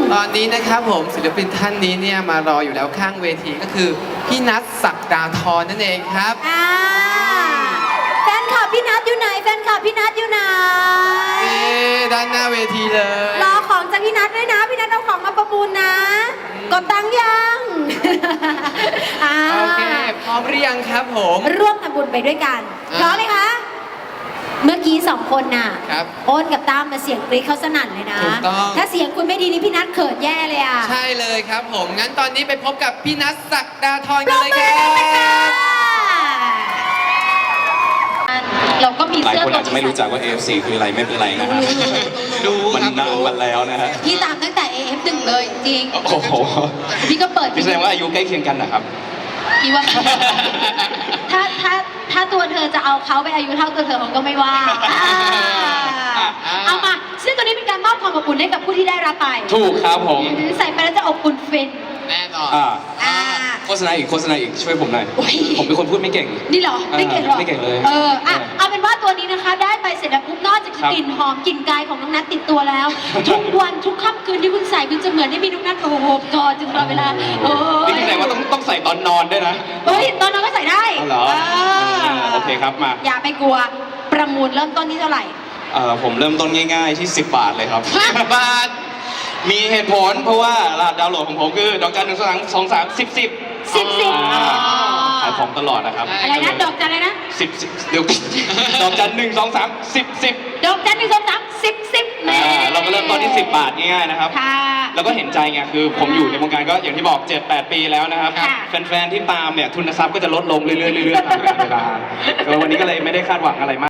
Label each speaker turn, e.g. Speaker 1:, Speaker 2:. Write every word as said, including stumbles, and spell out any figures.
Speaker 1: ตอนนี้นะครับผมศิลปินท่านนี้เนี่ยมารออยู่แล้วข้างเวทีก็คือพี่นัทศักดาธรนั่นเองครับ
Speaker 2: อ่าแฟนคลับพี่นัทอยู่ไหนแฟนคลับพี่นัทอยู่ไหน
Speaker 1: เอ๊ด้านหน้าเวทีเลย
Speaker 2: รอของจากพี่นัทด้วยนะพี่นัทเอาของมาประมูลนะกดตังค์ยัง
Speaker 1: โอเคพร้อมหรือยังครับผม
Speaker 2: ร่วมทำบุญไปด้วยกันพร้อมไหมคะเมื่อกี้สองคนน่ะโอนกับตั้มมาเสียงกรี๊ดเขาสนั่นเลยนะถ้าเสียงคุณไม่ดีนี่พี่นัทเขินแย่เลยอ่ะ
Speaker 1: ใช่เลยครับผมงั้นตอนนี้ไปพบกับพี่นัทศักดาธรกันเลยครับ
Speaker 2: เราก็มี
Speaker 3: หลาย
Speaker 2: เสื้อ
Speaker 3: คนอาจจะไม่รู้จักว่า เอ เอฟ ซี คืออะไรไม่เป็นไรนะฮะ
Speaker 1: ดู
Speaker 3: มันนานมาแล้วนะฮะ
Speaker 2: พี่ตามตั้งแต่ เอ เอฟ หนึ่งเลยจริง
Speaker 3: โอ้โห
Speaker 2: พี่ก็เปิด
Speaker 3: พี่แสดงว่าอายุใกล้เคียงกันนะครับ
Speaker 2: พี่ว่าถ้าถ้าถ้าตัวเธอจะเอาเขาไปอายุเท่าตัวเธอเขาก็ไม่ว่าเอามาซึ่งตัวนี้เป็นการมอบความอบอุ่นให้กับผู้ที่ได้รับไป
Speaker 3: ถูกครับผม
Speaker 2: ใส่ไปแล้วจะอบอุ่นฟิน
Speaker 1: แน่นอน
Speaker 3: อ่าโฆษณาอีกโฆษณาอีกช่วยผมหน่อยผมเป็นคนพูดไม่เก่ง
Speaker 2: นี่เหรอไม่เก่งหรอ
Speaker 3: ไม่เก่งเลย
Speaker 2: เอออ่ะเอาเป็นว่าตัวนี้นะคะได้ไปเสร็จแล้วปุ๊บนอกจากกลิ่นหอมกลิ่นกายของน้องนัทติดตัวแล้วทุกวันทุกค่ำคืนที่คุณใส่คุณจะเหมือนได้มีน้องนัทโอ้โหกอดจนตลอดเวลาโอ้
Speaker 3: นี่แสดงว่าต้องต้องใส่ตอนนอนด้วยนะ
Speaker 2: เฮ้ยตอนนอนก็ใส่ได้
Speaker 3: เหรอโอเคครับมา
Speaker 2: อย่าไปกลัวประมูลเริ่มต้นที่เท่าไหร่
Speaker 3: เออผมเริ่มต้นง่ายๆที่สิบบาทเลยครับ
Speaker 1: สิบบาท
Speaker 3: มีเหตุผลเพราะว่ารหัสดาวน์โหลดของผมคือดอกจันหนึ่งสองสองสามสิบสิบ
Speaker 2: สิบสิบ
Speaker 3: ขายของตลอดนะครับ
Speaker 2: อะไรนะดอกจันอะไรนะ
Speaker 3: สิบสิบเดี๋ยวดอกจันหนึ่งสองสามสิบสิบ
Speaker 2: ดอกจันหนึ่งสองสามสิบสิบแม่
Speaker 3: เราก็เริ่มต้นที่สิบบาทง่ายๆนะครับแล้วก็เห็นใจไงคือผมอยู่ในวงการก็อย่างที่บอกเจ็ดแปดปีแล้วนะครับแฟนๆที่ตามเนี่ยทุนทรัพย์ก็จะลดลงเรื่อยๆเรื่อยๆตามเวลาวันนี้ก็เลยไม่ได้คาดหวังอะไรมาก